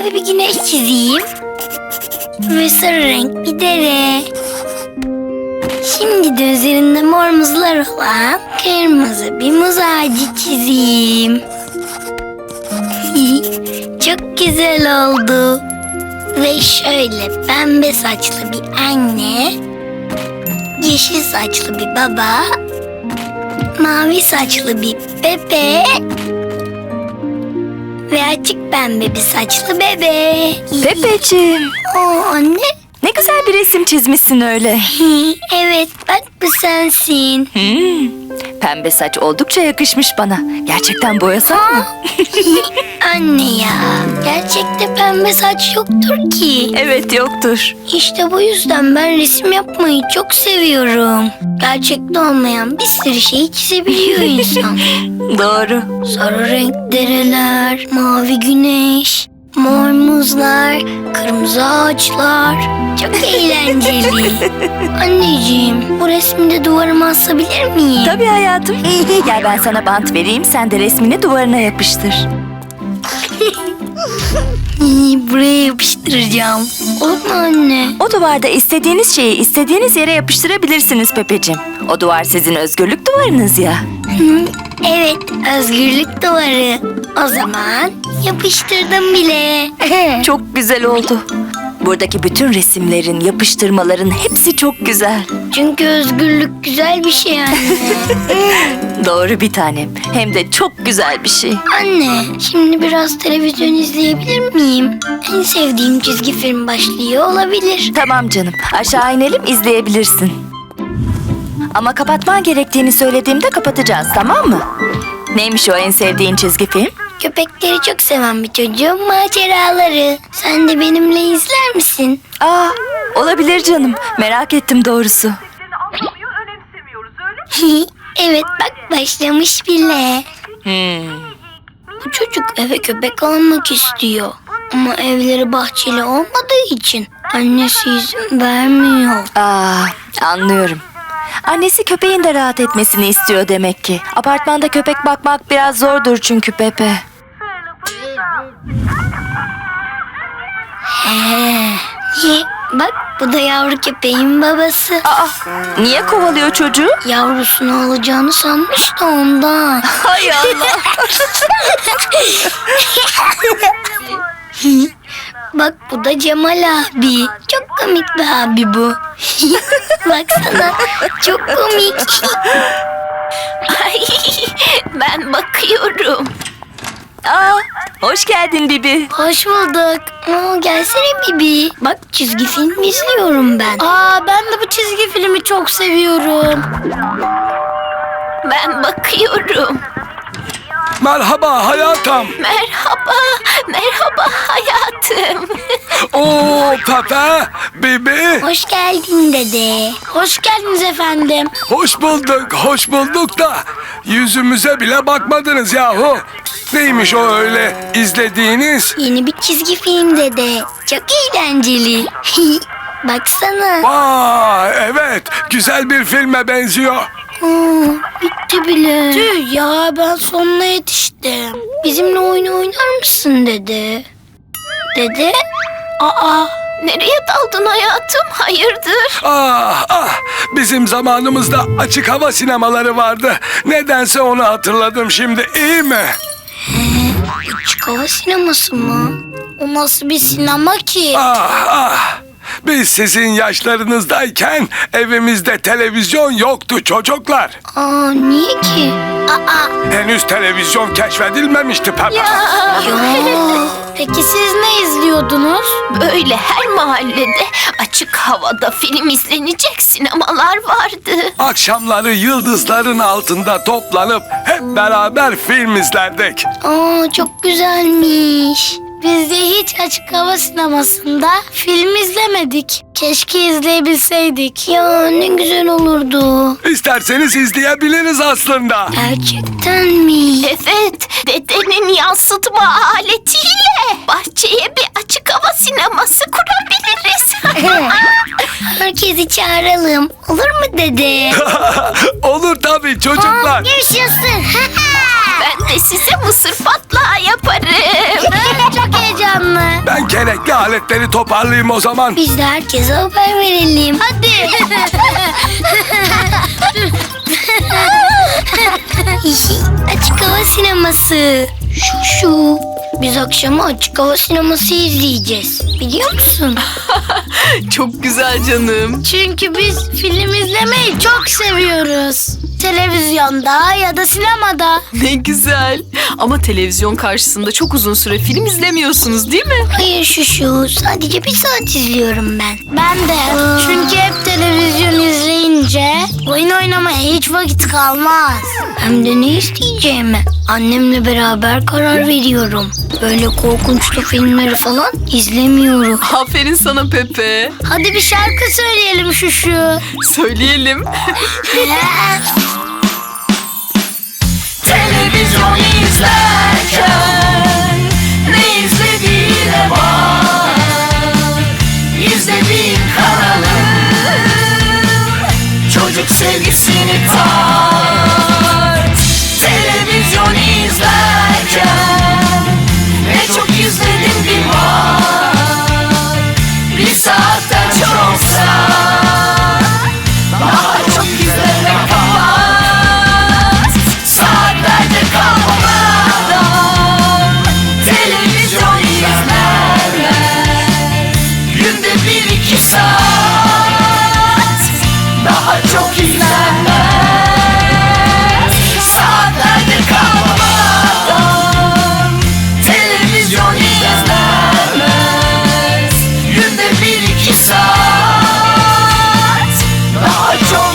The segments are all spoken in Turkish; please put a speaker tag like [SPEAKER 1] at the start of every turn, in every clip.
[SPEAKER 1] mavi bir güneş çizeyim. Ve sarı renk bir dere. Şimdi de üzerinde mor muzlar olan kırmızı bir muz ağacı çizeyim. Çok güzel oldu. Ve şöyle pembe saçlı bir anne, yeşil saçlı bir baba, mavi saçlı bir bebe ve açık pembe bir saçlı bebe.
[SPEAKER 2] Pepeciğim,
[SPEAKER 1] Anne.
[SPEAKER 2] ne güzel bir resim çizmişsin öyle.
[SPEAKER 1] Evet, bak bu sensin.
[SPEAKER 2] Pembe saç oldukça yakışmış bana. Gerçekten boyasak mı?
[SPEAKER 1] Anne ya, gerçekte pembe saç yoktur ki.
[SPEAKER 2] Evet, yoktur.
[SPEAKER 1] İşte bu yüzden ben resim yapmayı çok seviyorum. Gerçekte olmayan bir sürü şeyi çizebiliyor insan.
[SPEAKER 2] Doğru.
[SPEAKER 1] Sarı renk dereler, mavi güneş, mor muzlar, kırmızı ağaçlar. Çok eğlenceli. Anneciğim, bu resmi de duvarıma asabilir miyim?
[SPEAKER 2] Tabii hayatım. Gel ben sana bant vereyim, sen de resmini duvarına yapıştır.
[SPEAKER 1] Buraya yapıştıracağım. Olur mu anne?
[SPEAKER 2] O duvarda istediğiniz şeyi istediğiniz yere yapıştırabilirsiniz Pepeciğim. O duvar sizin özgürlük duvarınız ya.
[SPEAKER 1] Evet, özgürlük duvarı. O zaman yapıştırdım bile.
[SPEAKER 2] Çok güzel oldu. Buradaki bütün resimlerin, yapıştırmaların hepsi çok güzel.
[SPEAKER 1] Çünkü özgürlük güzel bir şey anne.
[SPEAKER 2] Doğru bir tanem. Hem de çok güzel bir şey.
[SPEAKER 1] Anne, şimdi biraz televizyon izleyebilir miyim? En sevdiğim çizgi film başlıyor olabilir.
[SPEAKER 2] Tamam canım. Aşağı inelim, izleyebilirsin. Ama kapatman gerektiğini söylediğimde kapatacağız, tamam mı? Neymiş o en sevdiğin çizgi film?
[SPEAKER 1] Köpekleri çok seven bir çocuğun maceraları. Sen de benimle izler misin?
[SPEAKER 2] Olabilir canım. Merak ettim doğrusu.
[SPEAKER 3] Anlamıyor, önemsemiyoruz öyle mi?
[SPEAKER 1] Evet, bak başlamış bile. Bu çocuk eve köpek almak istiyor. Ama evleri bahçeli olmadığı için annesi izin vermiyor.
[SPEAKER 2] Anlıyorum. Annesi köpeğin de rahat etmesini istiyor demek ki. Apartmanda köpek bakmak biraz zordur çünkü Pepe.
[SPEAKER 1] Niye? Bak bu da yavru köpeğin babası.
[SPEAKER 2] Niye kovalıyor çocuğu?
[SPEAKER 1] Yavrusunu alacağını sanmış da ondan.
[SPEAKER 2] Hay Allah.
[SPEAKER 1] Bak bu da Cemal abi. Çok komik bir abi bu. Baksana çok komik.
[SPEAKER 4] Ay, ben bakıyorum.
[SPEAKER 2] Hoş geldin Bibi.
[SPEAKER 1] Hoş bulduk. Gelsene Bibi. Bak çizgi film izliyorum ben. Ben de bu çizgi filmi çok seviyorum.
[SPEAKER 4] Ben bakıyorum.
[SPEAKER 5] Merhaba hayatım.
[SPEAKER 4] Merhaba, merhaba hayatım.
[SPEAKER 5] Oo Pepe, Bibi.
[SPEAKER 1] Hoş geldin dede. Hoş geldiniz efendim.
[SPEAKER 5] Hoş bulduk da yüzümüze bile bakmadınız yahu. Neymiş o öyle izlediğiniz?
[SPEAKER 1] Yeni bir çizgi film dede. Çok eğlenceli. Baksana.
[SPEAKER 5] Evet, güzel bir filme benziyor.
[SPEAKER 1] Bitti bile. Tüh ya, ben sonuna yetiştim. Bizimle oyun oynar mısın dede? Dede?
[SPEAKER 4] Nereye daldın hayatım? Hayırdır?
[SPEAKER 5] Bizim zamanımızda açık hava sinemaları vardı. Nedense onu hatırladım şimdi, iyi mi?
[SPEAKER 1] Açık hava sineması mı? O nasıl bir sinema ki?
[SPEAKER 5] Biz sizin yaşlarınızdayken evimizde televizyon yoktu çocuklar.
[SPEAKER 1] Niye ki?
[SPEAKER 5] Henüz televizyon keşfedilmemişti Pepe.
[SPEAKER 1] Ya. Peki siz ne izliyordunuz?
[SPEAKER 4] Böyle her mahallede açık havada film izlenecek sinemalar vardı.
[SPEAKER 5] Akşamları yıldızların altında toplanıp hep beraber film izlerdik.
[SPEAKER 1] Çok güzelmiş. Biz de hiç açık hava sinemasında film izlemedik. Keşke izleyebilseydik. Ya ne güzel olurdu.
[SPEAKER 5] İsterseniz izleyebiliriz aslında.
[SPEAKER 1] Gerçekten mi?
[SPEAKER 4] Evet, dedenin yansıtma aletiyle bahçeye bir açık hava sineması kurabiliriz.
[SPEAKER 1] Herkesi çağıralım. Olur mu dede?
[SPEAKER 5] Olur tabii çocuklar.
[SPEAKER 1] Yaşasın.
[SPEAKER 4] Ben de size mısır patlağı yaparım.
[SPEAKER 1] Çok heyecanlı.
[SPEAKER 5] Ben gerekli aletleri toparlayayım o zaman.
[SPEAKER 1] Biz de herkese haber verelim. Hadi. Açık hava sineması. Şu. Biz akşama açık hava sineması izleyeceğiz. Biliyor musun?
[SPEAKER 6] Çok güzel canım.
[SPEAKER 1] Çünkü biz film izlemeyi çok seviyoruz. Televizyonda ya da sinemada.
[SPEAKER 6] Ne güzel. Ama televizyon karşısında çok uzun süre film izlemiyorsunuz değil mi?
[SPEAKER 1] Hayır şu. Sadece bir saat izliyorum ben. Ben de. Çünkü hep televizyon izleyince oyun oynamaya hiç vakit kalmaz. Hem de ne isteyeceğimi annemle beraber karar veriyorum. Böyle korkunçlu filmleri falan izlemiyorum.
[SPEAKER 6] Aferin sana Pepe.
[SPEAKER 1] Hadi bir şarkı söyleyelim şu.
[SPEAKER 6] Söyleyelim.
[SPEAKER 2] Televizyon izlerken ne izlediğine bak. İzlediğin kanalı çocuk sevgisini tart. Televizyon izlerken ne çok izledin bir bak. Bir saatten çoksa daha çok izleme kapat. Saatlerde kalmadan televizyon izlerler. Günde 1-2 saat daha çok izlenmez. Saatlerde kalmadan televizyon izlenmez. Günde 1-2 saat daha çok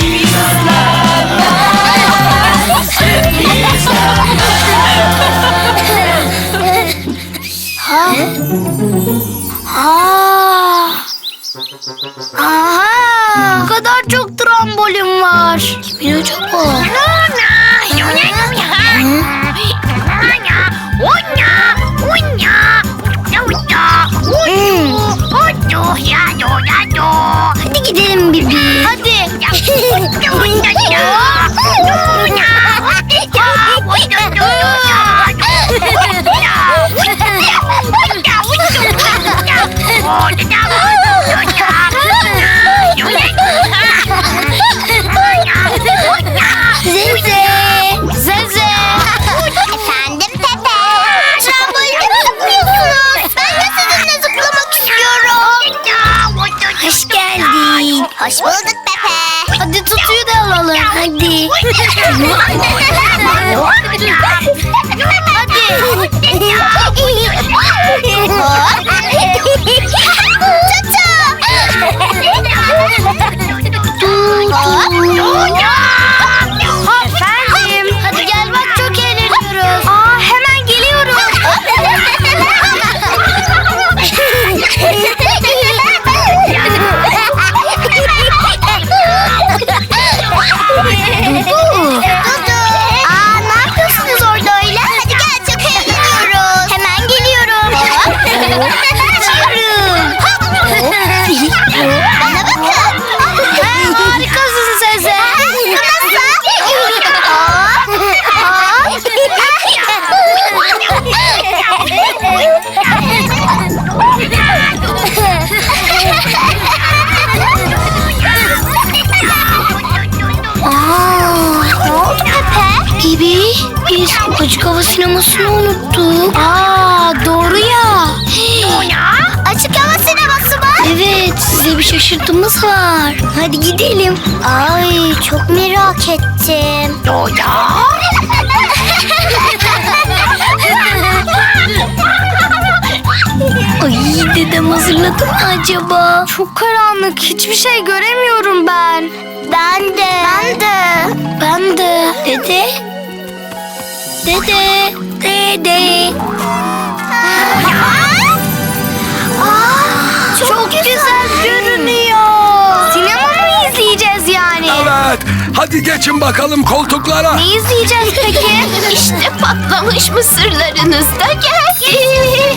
[SPEAKER 1] Aha! Bu kadar çok trambolin var. Kimin acaba? Hadi gidelim Bibi. Hadi. Zeze. Efendim Pepe. Tramboline mi zıplıyorsunuz? Ben de sizinle zıplamak istiyorum. Hoş geldin. Hoş bulduk Pepe. Hadi tutuyu da alalım. Hadi. Efendim. Hadi gel bak çok eğleniyoruz. Aa hemen geliyorum. Dudu. Aa ne yapıyorsunuz orada öyle? Hadi gel çok eğleniyoruz. Hemen geliyorum. Bana bakın. Harikasın Zeze. Ne oldu Pepe? Bibi, biz açık hava sinemasını unuttuk. Doğru ya. Açık hava sineması mı? Evet, size bir şaşırtımız var. Hadi gidelim. Ay, çok merak ettim. Ay, dedem hazırladı mı acaba? Çok karanlık, hiçbir şey göremiyorum ben. Ben de. Dede. Çok güzel görünüyor. Sinema mı izleyeceğiz yani?
[SPEAKER 5] Evet. Hadi geçin bakalım koltuklara.
[SPEAKER 1] Ne izleyeceğiz peki?
[SPEAKER 4] İşte patlamış mısırlarınız da geldi.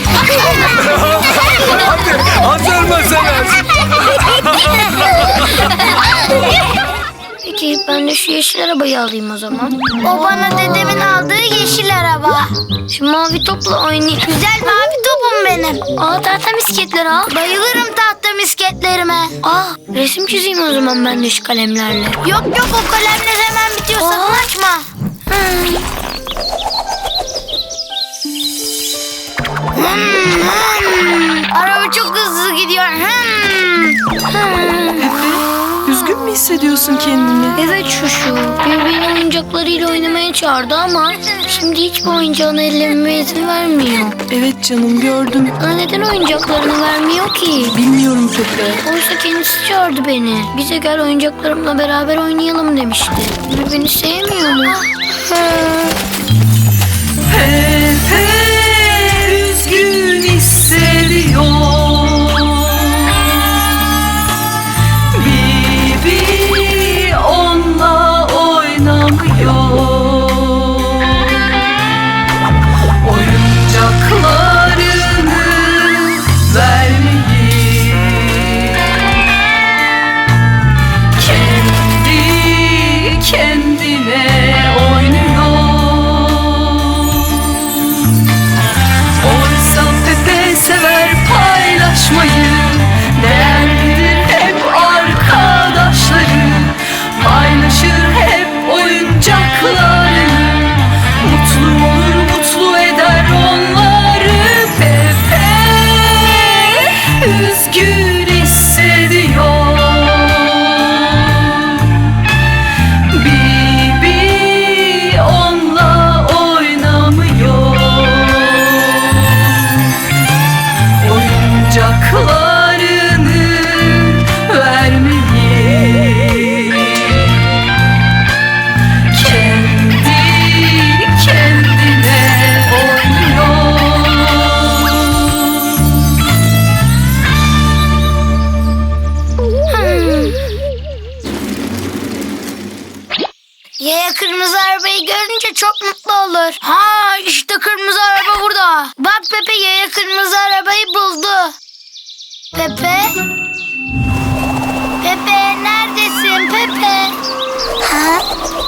[SPEAKER 5] Hadi hazır mısınız?
[SPEAKER 1] Peki ben Ben de şu yeşil arabayı alayım o zaman.
[SPEAKER 7] O bana dedemin aldığı yeşil araba.
[SPEAKER 1] Şu mavi topla oynayayım.
[SPEAKER 7] Güzel mavi topum benim.
[SPEAKER 1] Aa, tahta misketler al.
[SPEAKER 7] Bayılırım tahta misketlerime.
[SPEAKER 1] Aa, resim çizeyim o zaman ben de şu kalemlerle.
[SPEAKER 7] Yok yok, o kalemler hemen bitiyor, sakın açma. Araba çok hızlı gidiyor.
[SPEAKER 6] Üzgün mü hissediyorsun kendini?
[SPEAKER 1] Evet Şuşu. Bir beni oyuncaklarıyla oynamaya çağırdı ama şimdi hiçbir oyuncağını ellememe izin vermiyor.
[SPEAKER 6] Evet canım, gördüm.
[SPEAKER 1] Bana neden oyuncaklarını vermiyor ki?
[SPEAKER 6] Bilmiyorum Pepe.
[SPEAKER 1] Oysa kendisi çağırdı beni. Bize gel oyuncaklarımla beraber oynayalım demişti. Ve beni sevmiyor mu?
[SPEAKER 6] Pepe üzgün hissediyor. Bibi onunla oynamıyor. Oyuncaklarını vermeyi kendi kendine oynuyor. Oysa Pepe sever paylaşmayı, değer bilir hep arkadaşları, paylaşır hep oyuncaklarını, mutlu olur mutlu eder onları. Pepe üzgün hissediyor. Bibi onunla oynamıyor. Oyuncaklarını vermeyi kendi kendine oynuyor.
[SPEAKER 7] Yaya kırmızı arabayı görünce çok mutlu olur. Ha, işte kırmızı araba burada. Bak Pepe, yaya kırmızı arabayı buldu. Pepe? Pepe neredesin Pepe? Ha?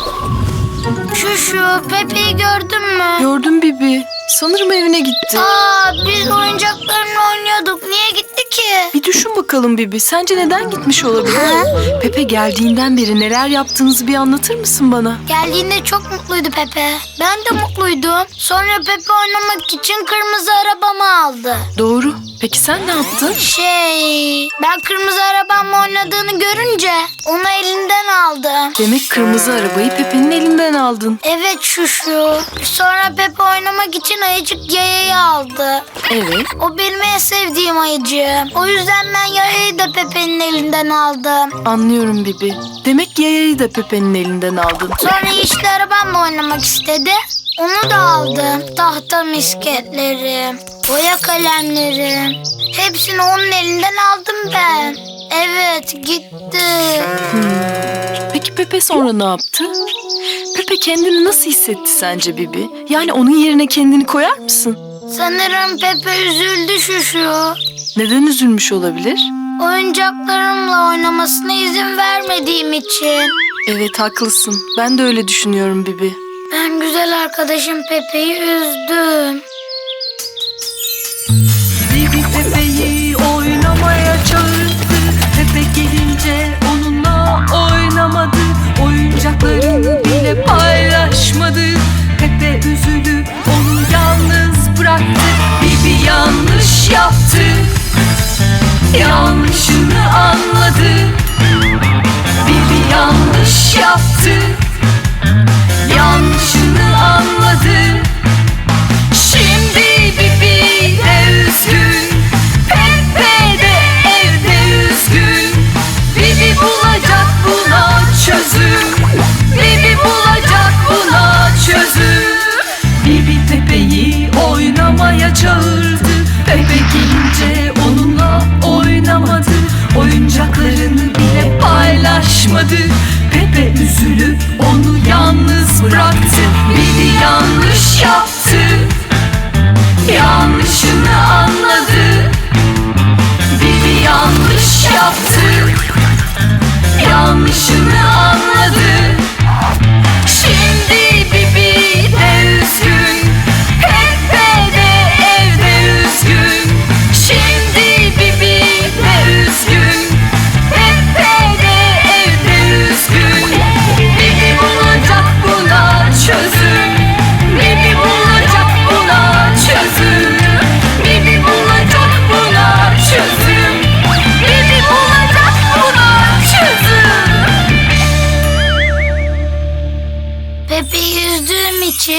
[SPEAKER 7] Şu Pepe'yi gördün mü?
[SPEAKER 6] Gördüm Bibi. Sanırım evine gitti.
[SPEAKER 7] Aa, biz oyuncaklarla oynuyorduk. Niye gitti ki?
[SPEAKER 6] Bir düşün bakalım Bibi. Sence neden gitmiş olabilir?
[SPEAKER 7] Ha?
[SPEAKER 6] Pepe geldiğinden beri neler yaptığınızı bir anlatır mısın bana?
[SPEAKER 7] Geldiğinde çok mutluydu Pepe. Ben de mutluydum. Sonra Pepe oynamak için kırmızı arabamı aldı.
[SPEAKER 6] Doğru. Peki sen ne yaptın?
[SPEAKER 7] Ben kırmızı arabamla oynadığını görünce onu elinden aldım.
[SPEAKER 6] Demek kırmızı arabayı Pepe'nin elinden aldın.
[SPEAKER 7] Evet Şuşu. Sonra Pepe oynamak için ayıcık Yaya'yı aldı.
[SPEAKER 6] Evet.
[SPEAKER 7] O benim en sevdiğim ayıcığım. O yüzden ben Yaya'yı da Pepe'nin elinden aldım.
[SPEAKER 6] Anlıyorum Bibi. Demek yayayı da Pepe'nin elinden aldın.
[SPEAKER 7] Sonra yeşil arabamla oynamak istedi. Onu da aldım. Tahta misketlerim, boya kalemlerim. Hepsini onun elinden aldım ben. Evet, gitti.
[SPEAKER 6] Peki Pepe sonra ne yaptı? Pepe kendini nasıl hissetti sence Bibi? Yani onun yerine kendini koyar mısın?
[SPEAKER 7] Sanırım Pepe üzüldü Şuşu.
[SPEAKER 6] Neden üzülmüş olabilir?
[SPEAKER 7] Oyuncaklarımla oynamasına izin vermediğim için.
[SPEAKER 6] Evet, haklısın. Ben de öyle düşünüyorum Bibi.
[SPEAKER 7] Ben güzel arkadaşım Pepe'yi üzdüm.
[SPEAKER 6] Bibi Pepe'yi oynamaya çağırdı. Pepe gelince onunla oynamadı. Oyuncaklarını bile paylaşmadı. Pepe üzülüp onu yalnız bıraktı. Bibi yanlış yaptı. Yanlışını anladı. Bibi yanlış yaptı. Yanlışını anladı. Şimdi Bibi de üzgün, Pepe de evde üzgün. Bibi bulacak buna çözüm. Bibi bulacak buna çözüm. Bibi Pepe'yi oynamaya çağırdı. Pepe gelince onunla oynamadı. Oyuncaklarını bile paylaşmadı. Pepe üzülüp onu yalnız bıraktı. Bibi yanlış yaptı. Yanlışını anladı. Bibi yanlış yaptı. Yanlışını anladı.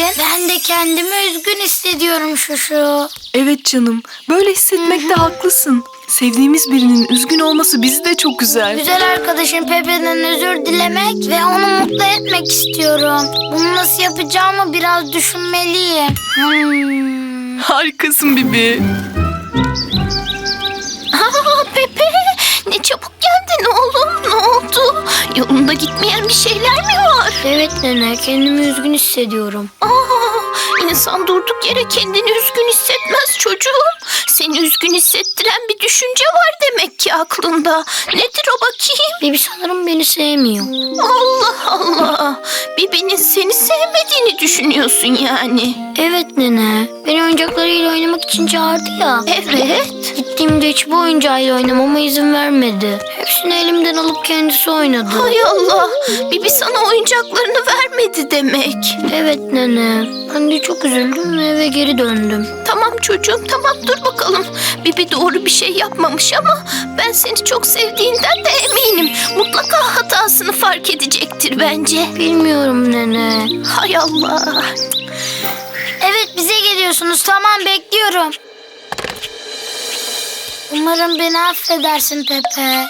[SPEAKER 7] Ben de kendimi üzgün hissediyorum Şuşu.
[SPEAKER 6] Evet canım, böyle hissetmekte haklısın. Sevdiğimiz birinin üzgün olması bizi de çok üzer.
[SPEAKER 7] Güzel arkadaşım Pepe'den özür dilemek ve onu mutlu etmek istiyorum. Bunu nasıl yapacağımı biraz düşünmeliyim.
[SPEAKER 6] Harikasın Bibi.
[SPEAKER 4] Aa, Pepe, ne çabuk geldin oğlum, ne oldu? Yolunda gitmeyen bir şeyler mi var?
[SPEAKER 1] Evet nene, kendimi üzgün hissediyorum.
[SPEAKER 4] İnsan durduk yere kendini üzgün hissetmez çocuğum. Seni üzgün hissettiren bir düşünce var demek ki aklında. Nedir o bakayım?
[SPEAKER 1] Bibi sanırım beni sevmiyor.
[SPEAKER 4] Allah Allah. Bibi'nin seni sevmediğini düşünüyorsun yani.
[SPEAKER 1] Evet nene, beni oyuncaklarıyla oynamak için çağırdı ya.
[SPEAKER 4] Evet.
[SPEAKER 1] Gittiğimde hiçbir oyuncağıyla oynamama izin vermedi. Hepsini elimden alıp kendisi oynadı.
[SPEAKER 4] Hay Allah. Bibi sana oyuncaklarını vermedi demek.
[SPEAKER 1] Evet nene, ben de çok üzüldüm ve eve geri döndüm.
[SPEAKER 4] Tamam çocuğum, tamam, dur bakalım. Bibi doğru bir şey yapmamış ama ben seni çok sevdiğinden de eminim. Mutlaka hatasını fark edecektir bence.
[SPEAKER 1] Bilmiyorum nene.
[SPEAKER 4] Hay Allah.
[SPEAKER 7] Evet, bize geliyorsunuz. Tamam, bekliyorum. Umarım beni affedersin Pepe.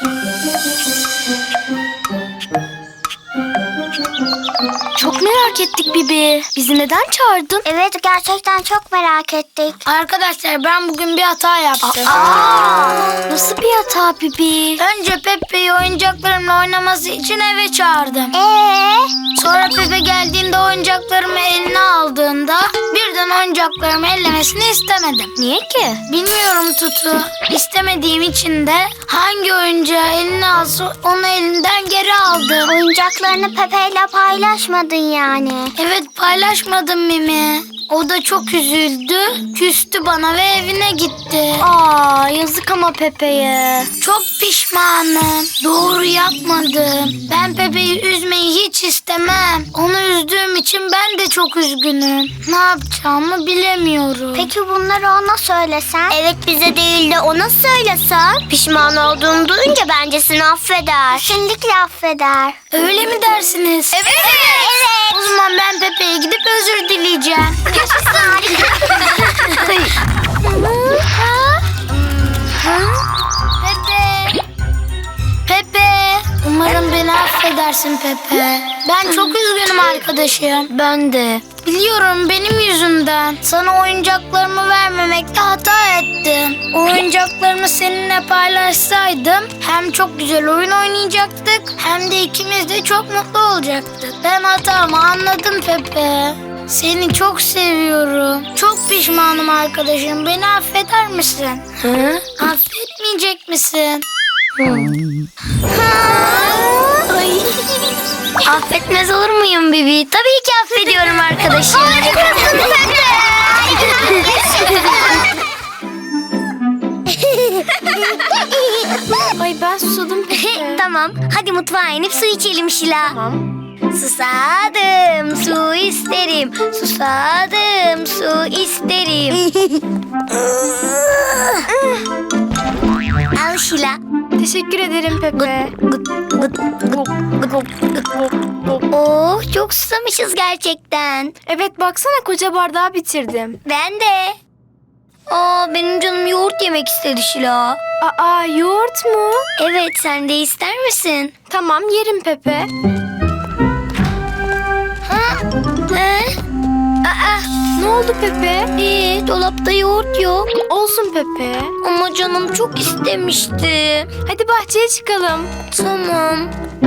[SPEAKER 1] Çok merak ettik Bibi. Bizi neden çağırdın?
[SPEAKER 7] Evet, gerçekten çok merak ettik. Arkadaşlar, ben bugün bir hata yaptım.
[SPEAKER 1] Nasıl bir hata Bibi?
[SPEAKER 7] Önce Pepe'yi oyuncaklarımla oynaması için eve çağırdım. Sonra Pepe geldiğinde oyuncaklarımı eline aldığında birden oyuncaklarımı ellemesini istemedim.
[SPEAKER 1] Niye ki?
[SPEAKER 7] Bilmiyorum Tutu. İstemediğim için de hangi oyuncağı eline alsa onu elinden geri aldım.
[SPEAKER 8] Oyuncaklarını Pepe'yle paylaşmadın yani.
[SPEAKER 7] Evet, paylaşmadım Mimi. O da çok üzüldü, küstü bana ve evine gitti.
[SPEAKER 1] Aa, yazık ama Pepe'ye.
[SPEAKER 7] Çok pişmanım. Doğru yapmadım. Ben Pepe'yi üzmeyi hiç istemem. Onu üzdüğüm için ben de çok üzgünüm. Ne yapacağımı bilemiyorum.
[SPEAKER 8] Peki bunları ona söylesen? Evet, bize değil de ona söylesen. Pişman olduğunu duyunca bence seni affeder. Kesinlikle affeder.
[SPEAKER 7] Öyle mi dersiniz?
[SPEAKER 8] Evet.
[SPEAKER 7] O zaman ben Pepe'ye gidip özür dileyeceğim. Pepe. Pepe. Umarım beni affedersin Pepe. Ben çok üzgünüm arkadaşım.
[SPEAKER 1] Ben de.
[SPEAKER 7] Biliyorum, benim yüzümden. Sana oyuncaklarımı vermemekte hata ettim. Oyuncaklarımı seninle paylaşsaydım hem çok güzel oyun oynayacaktık hem de ikimiz de çok mutlu olacaktık. Ben hatamı anladım Pepe. Seni çok seviyorum. Çok pişmanım arkadaşım. Beni affeder misin?
[SPEAKER 1] Hı?
[SPEAKER 7] Affetmeyecek misin?
[SPEAKER 1] Affetmez olur muyum Bibi? Tabii ki affediyorum arkadaşım.
[SPEAKER 8] Ay, ben susadım Pepe.
[SPEAKER 1] Tamam, hadi mutfağa inip su içelim Şila.
[SPEAKER 8] Tamam.
[SPEAKER 1] Susadım, su isterim. Susadım, su isterim. Al Şila.
[SPEAKER 8] Teşekkür ederim Pepe.
[SPEAKER 1] Oh, çok susamışız gerçekten.
[SPEAKER 8] Evet, baksana koca bardağı bitirdim.
[SPEAKER 1] Ben de. Aa, benim canım yoğurt yemek istedi Şila.
[SPEAKER 8] Aa, yoğurt mu?
[SPEAKER 1] Evet, sen de ister misin?
[SPEAKER 8] Tamam, yerim Pepe.
[SPEAKER 1] He? Aa,
[SPEAKER 8] Ne oldu Pepe?
[SPEAKER 1] dolapta yoğurt yok.
[SPEAKER 8] Olsun Pepe.
[SPEAKER 1] Ama canım çok istemişti.
[SPEAKER 8] Hadi bahçeye çıkalım.
[SPEAKER 1] Tamam.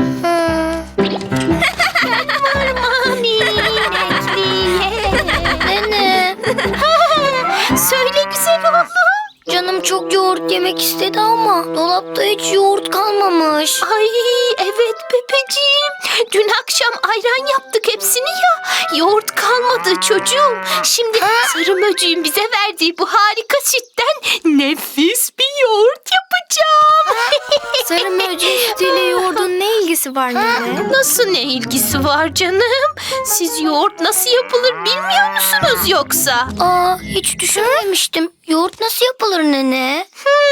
[SPEAKER 1] Nene,
[SPEAKER 4] Söyle güzel oğlum.
[SPEAKER 1] canım çok yoğurt yemek istedi ama dolapta hiç yoğurt kalmamış.
[SPEAKER 4] Ay evet Pepeciğim. Dün akşam ayran yaptık hepsini ya. Yoğurt kalmadı çocuğum. Şimdi sarı möcüğün bize verdiği bu harika sütten nefis bir yoğurt yapacağım.
[SPEAKER 8] Sarı mercimek sütüyle yoğurdun ne ilgisi var nene?
[SPEAKER 4] Nasıl ne ilgisi var canım? Siz yoğurt nasıl yapılır bilmiyor musunuz yoksa?
[SPEAKER 1] Aa, hiç düşünmemiştim. Yoğurt nasıl yapılır nene?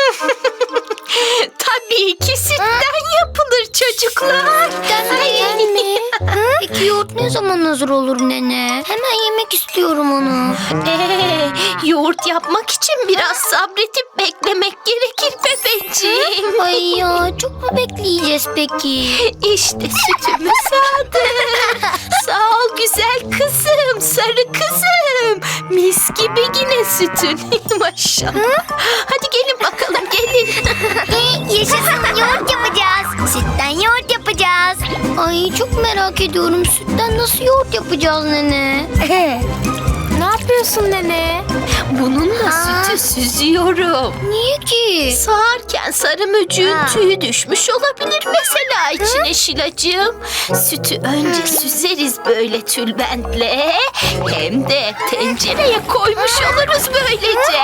[SPEAKER 4] Tabii ki sütten yapılır çocuklar.
[SPEAKER 1] Sütten mi? Peki yoğurt ne zaman hazır olur nene? Hemen yemek istiyorum onu.
[SPEAKER 4] Yoğurt yapmak için biraz sabretip beklemek gerekir Pepeciğim.
[SPEAKER 1] Ay ya, çok mu bekleyeceğiz peki?
[SPEAKER 4] İşte sütümüz hazır. Sağ ol güzel kızım, sarı kızım. Mis gibi yine sütün. Maşallah. Hadi gelin bakalım, gelin.
[SPEAKER 8] Yaşasın yoğurt yapacağız. Sütten yoğurt yapacağız.
[SPEAKER 1] Ay çok merak ediyorum, sütten nasıl yoğurt yapacağız nene?
[SPEAKER 7] Ne yapıyorsun nene?
[SPEAKER 4] Bununla sütü süzüyorum.
[SPEAKER 1] Niye ki?
[SPEAKER 4] Sağarken sarı möcüğün tüyü düşmüş olabilir mesela içine Şilacığım. Sütü önce süzeriz böyle tülbentle. Hem de tencereye koymuş oluruz böylece.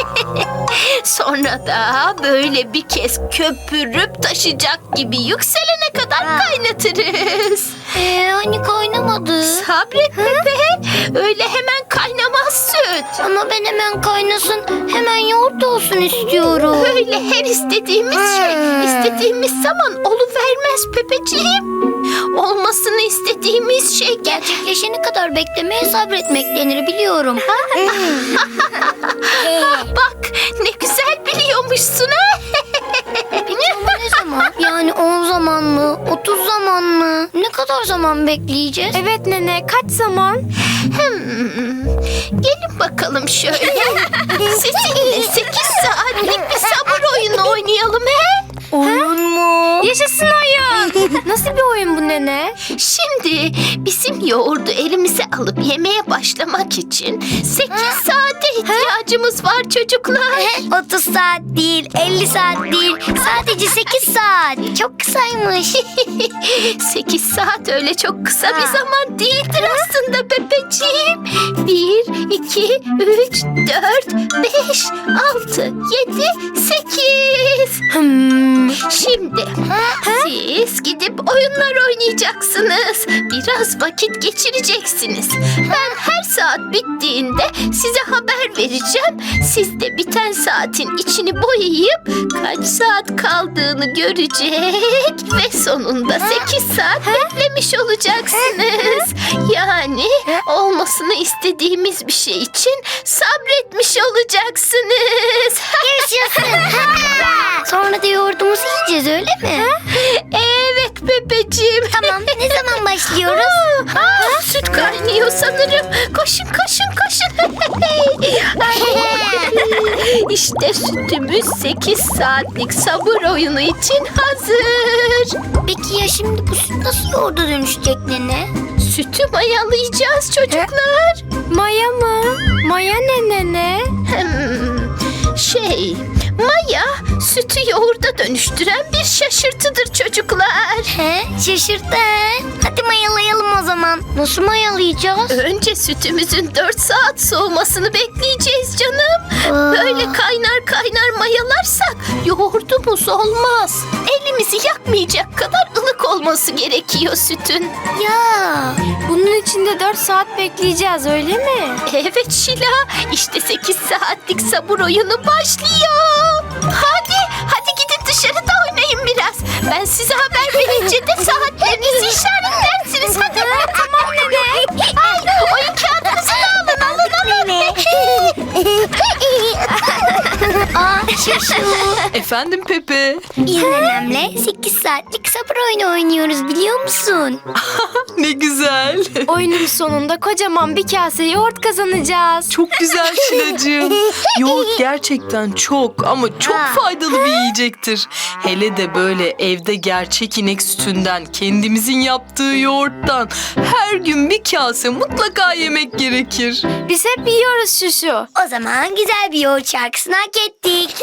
[SPEAKER 4] Sonra da böyle bir kez köpürüp taşacak gibi yükselene kadar kaynatırız.
[SPEAKER 1] Hani kaynamadı.
[SPEAKER 4] Sabret Pepe. Öyle hemen kaynamaz süt.
[SPEAKER 1] Ama ben hemen kaynasın, hemen yoğurt olsun istiyorum.
[SPEAKER 4] Öyle her istediğimiz şey istediğimiz zaman oluvermez Pepeciğim. Olmasını istediğimiz şey
[SPEAKER 1] Gerçekleşene kadar beklemeye sabretmek denir, biliyorum.
[SPEAKER 4] bak ne güzel biliyormuşsun ha.
[SPEAKER 1] Peki ama ne zaman? Yani 10 zaman mı? 30 zaman mı? Ne kadar zaman bekleyeceğiz?
[SPEAKER 7] Evet nene, kaç zaman?
[SPEAKER 4] Gelin bakalım şöyle. Sizinle 8 saatlik bir sabır oyunu oynayalım he.
[SPEAKER 7] Oyun mu? Yaşasın oyun. Nasıl bir oyun bu nene?
[SPEAKER 4] Şimdi bizim yoğurdu elimize alıp yemeye başlamak için 8 saate ihtiyacımız var çocuklar.
[SPEAKER 8] 30 saat değil, 50 saat değil. Sadece 8 saat. Çok kısaymış.
[SPEAKER 4] 8 saat öyle çok kısa bir zaman değildir aslında Pepeciğim. 1, 2, 3, 4, 5, 6, 7, 8. Şimdi siz gidip oyunlar oynayacaksınız. Biraz vakit geçireceksiniz. Ben her saat bittiğinde size haber vereceğim. Siz de biten saatin içini boyayıp kaç saat kaldığını görecek ve sonunda 8 saat beklemiş olacaksınız. Yani olmasını istediğimiz bir şey için sabretmiş olacaksınız.
[SPEAKER 1] Sonra da yoğurdumuzu yiyeceğiz, öyle mi?
[SPEAKER 4] Evet Pepeciğim.
[SPEAKER 8] Tamam, ne zaman başlıyoruz?
[SPEAKER 4] Süt kaynıyor sanırım. Koşun koşun koşun. İşte sütümüz 8 saatlik sabır oyunu için hazır.
[SPEAKER 1] Peki ya şimdi bu süt nasıl yoğurda dönüşecek nene?
[SPEAKER 4] Sütü mayalayacağız çocuklar.
[SPEAKER 7] Maya mı? Maya ne nene?
[SPEAKER 4] Maya sütü yoğurda dönüştüren bir şaşırtıdır çocuklar.
[SPEAKER 1] Şaşırttı. Hadi mayalayalım o zaman. Nasıl mayalayacağız?
[SPEAKER 4] Önce sütümüzün 4 saat soğumasını bekleyeceğiz canım. Böyle kaynar kaynar mayalarsak yoğurdumuz olmaz. Elimizi yakmayacak kadar ılık olması gerekiyor sütün.
[SPEAKER 1] Ya.
[SPEAKER 7] Bunun içinde 4 saat bekleyeceğiz, öyle mi?
[SPEAKER 4] Evet Şila, işte 8 saatlik sabır oyunu başlıyor. Hadi gidin dışarıda oynayın biraz. Ben size haber verince de saatlerinizi işaretlersiniz. Hadi. Tamam nene. Ay, oyun kağıdınızı da alın.
[SPEAKER 6] Efendim Pepe.
[SPEAKER 1] Biz nenemle 8 saatlik sabır oyunu oynuyoruz, biliyor musun?
[SPEAKER 6] Ne güzel.
[SPEAKER 7] Oyunun sonunda kocaman bir kase yoğurt kazanacağız.
[SPEAKER 6] Çok güzel Şilacığım. Yoğurt gerçekten çok ama çok faydalı bir yiyecektir. Hele de böyle evde gerçek inek sütünden, kendimizin yaptığı yoğurttan her gün bir kase mutlaka yemek gerekir.
[SPEAKER 7] Biz hep yiyoruz şuşu.
[SPEAKER 1] O zaman güzel bir yoğurt şarkısını hak ettik.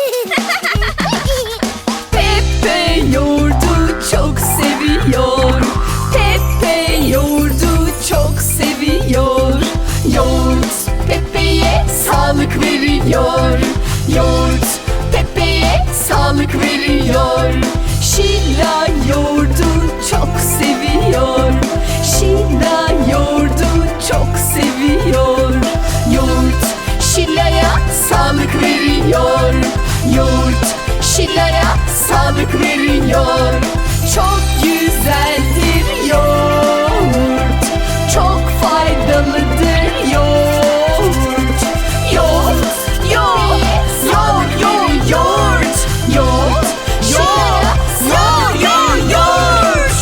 [SPEAKER 2] Pepe yoğurdu çok seviyor. Pepe yoğurdu çok seviyor. Yoğurt Pepe'ye sağlık veriyor. Yoğurt Pepe'ye sağlık veriyor. Şila yoğurdu çok seviyor. Şila yoğurdu çok seviyor. Yoğurt Şila'ya sağlık veriyor.
[SPEAKER 4] yoğurt. Çok güzeldir yoğurt. Çok faydalıdır yoğurt. Yoğurt, yoğurt, yoğurt, yoğurt, yoğurt. Yoğurt, yoğurt, yoğurt, yoğurt.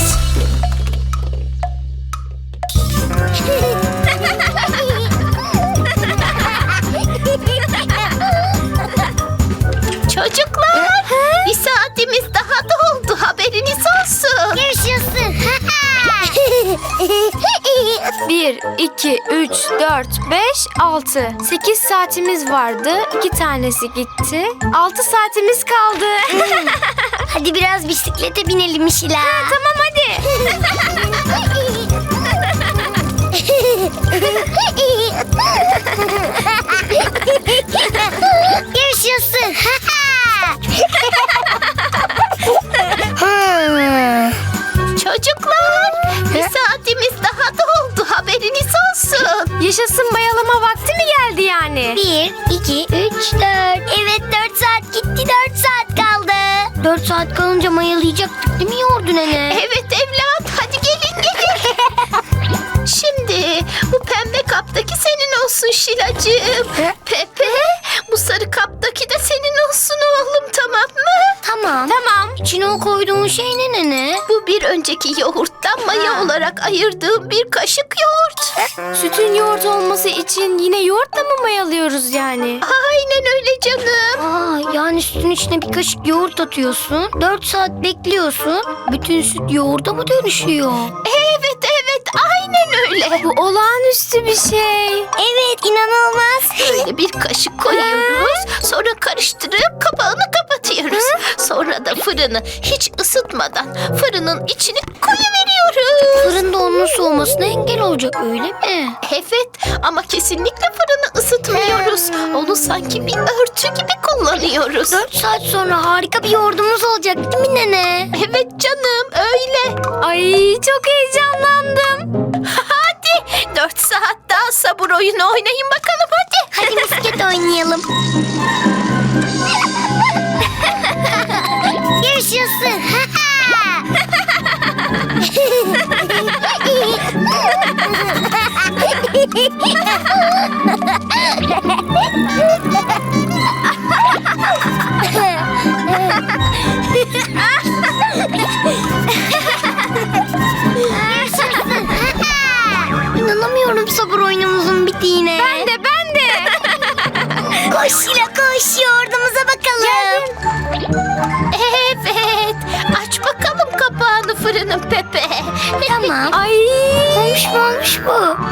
[SPEAKER 4] Çocuklar, bir saatimiz daha doldu. Haberiniz olsun.
[SPEAKER 8] Yaşasın.
[SPEAKER 9] 1, 2, 3, 4, 5, 6. 8 saatimiz vardı. 2 tanesi gitti. 6 saatimiz kaldı.
[SPEAKER 8] Hadi biraz bisiklete binelim Şila.
[SPEAKER 9] Tamam hadi.
[SPEAKER 8] Yaşasın.
[SPEAKER 4] Çocuklar, bir saatimiz daha doldu. Haberiniz olsun.
[SPEAKER 9] Yaşasın, bayalama vakti mi geldi yani?
[SPEAKER 8] 1, 2, 3, 4. Evet 4 saat gitti, 4 saat kaldı.
[SPEAKER 1] 4 saat kalınca mayalayacaktık değil mi yoğurdu nene?
[SPEAKER 4] Evet evlat, hadi gelin gelin. Şimdi bu pembe kaptaki senin olsun Şilacığım. Pepe, bu sarı kaptaki de senin olsun oğlum, tamam mı?
[SPEAKER 1] Tamam.
[SPEAKER 9] Tamam.
[SPEAKER 1] İçine o koyduğun şey ne nene?
[SPEAKER 4] Bu bir önceki yoğurttan maya olarak ayırdığım bir kaşık yoğurt.
[SPEAKER 9] Sütün yoğurt olması için yine yoğurtla mı mayalıyoruz yani?
[SPEAKER 4] Aynen öyle canım.
[SPEAKER 1] Aa, yani sütün içine bir kaşık yoğurt atıyorsun. 4 saat bekliyorsun. Bütün süt yoğurda mı dönüşüyor?
[SPEAKER 4] Evet evet, aynen öyle.
[SPEAKER 9] Bu olağanüstü bir şey.
[SPEAKER 8] Evet inanılmaz.
[SPEAKER 4] Böyle bir kaşık koyuyoruz. Sonra karıştırıp kapağını kapatıyoruz. Sonra da fırını hiç ısıtmadan fırının içine koyuveriyoruz.
[SPEAKER 1] Fırında onun soğumasına engel olacak öyle mi?
[SPEAKER 4] Evet, ama kesinlikle fırını ısıtmıyoruz. Onu sanki bir örtü gibi kullanıyoruz.
[SPEAKER 1] 4 saat sonra harika bir yoğurdumuz olacak değil mi nene?
[SPEAKER 4] Evet canım, öyle.
[SPEAKER 9] Ay çok heyecanlandım.
[SPEAKER 4] Hadi 4 saat daha sabır oyunu oynayın bakalım hadi.
[SPEAKER 8] Hadi misket oynayalım. Yaşasın.
[SPEAKER 1] İnanamıyorum sabır oyunumuzun bittiğine.
[SPEAKER 9] Ben de.
[SPEAKER 8] Koş Şila koş, yoğurdumuza bakalım.
[SPEAKER 4] Evet, aç bakalım kapağını fırının Pepe.
[SPEAKER 1] Tamam.
[SPEAKER 9] Ay.
[SPEAKER 1] Olmuş mu olmuş bu?